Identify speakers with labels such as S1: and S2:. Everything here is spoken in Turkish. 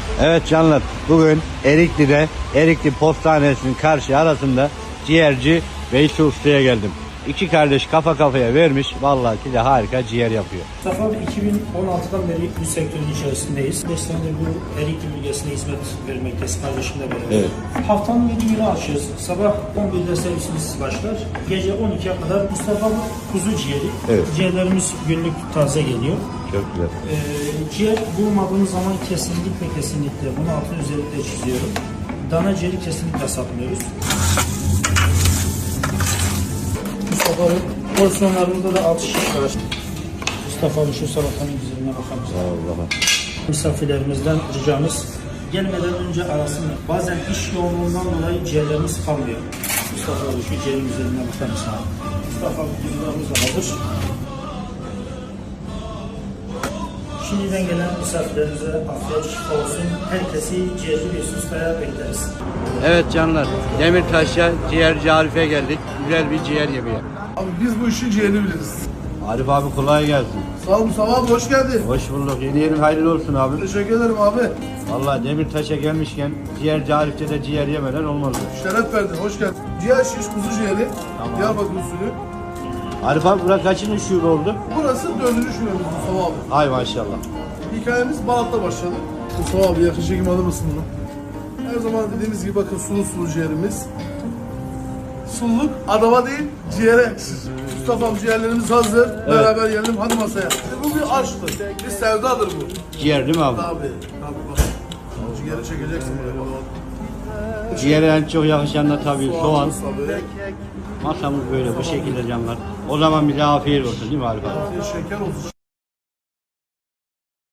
S1: Evet canlar, bugün Erikli'de, Erikli Postanesi'nin karşı arasında ciğerci Veysi Usta'ya geldim. İki kardeş kafa kafaya vermiş, vallahi ki de harika ciğer yapıyor.
S2: Mustafa abi 2016'dan beri bu sektörün içerisindeyiz. 5 senedir bu Erikli bölgesine hizmet vermekteyiz kardeşimle beraber.
S1: Evet.
S2: Haftanın 7 günü açıyoruz. Sabah 11'de servisimiz başlar. Gece 12'ye kadar Mustafa abi kuzu ciğeri.
S1: Evet.
S2: Ciğerlerimiz günlük taze geliyor.
S1: Çok güzel.
S2: Ciğer bulmadığımız zaman kesinlikle bunu altını özellikle çiziyorum. Dana ciğeri kesinlikle satmıyoruz. Mustafa abi porsiyonlarımızda da 6 şiş var. Mustafa abi şu salatanın güzelliğine bakar mısın?
S1: Allah'a.
S2: Misafirlerimizden ricamız gelmeden önce arasınlar. Bazen iş yoğunluğundan dolayı ciğerlerimiz kalmıyor. Mustafa abi şu ciğerin güzelliğine bakar mısın abi? Mustafa abi kuzularımız da hazır. Şimdiden gelen misafirlerimize afiyet şifa olsun. Herkesi ciğerci Veysi Usta'ya bekleriz.
S1: Evet canlar, Demirtaş'a ciğerci Arif'e geldik. Güzel bir ciğer yemeği.
S3: Abi biz bu işin ciğerini biliriz.
S1: Arif abi kolay gelsin.
S3: Sağ ol Mustafa abi, hoş geldin.
S1: Hoş bulduk. Yeni yerin hayırlı olsun abi.
S3: Teşekkür ederim abi.
S1: Vallahi Demirtaş'a gelmişken ciğerci Arif'te de ciğer yemeden olmaz.
S3: Şeref verdin, hoş geldin. Ciğer şiş kuzu ciğeri.
S1: Tamam.
S3: Diyarbakır usulü.
S1: Arif abi burası kaçıncı şube oldu?
S3: Burası 4. şubemiz Mustafa abi.
S1: Ay maşallah.
S3: Hikayemiz Balat'ta başladı. Mustafa abi yakın çekim alır mısın bunu? Her zaman dediğimiz gibi bakın sulu ciğerimiz. Sululuk adama değil ciğere. Mustafa abi ciğerlerimiz hazır. Beraber yiyelim hadi masaya. Bu bir aşktır. Bir sevdadır bu.
S1: Ciğer değil mi abi?
S3: Tabii. Tabii bak. Ciğeri çekeceksin buraya bak.
S1: Ciğere en çok yakışan da tabii soğan.
S3: Tabii.
S1: Masamız böyle bu şekilde canlar. O zaman bize afiyet olsun değil mi Arif abi?
S3: Şeker olsun.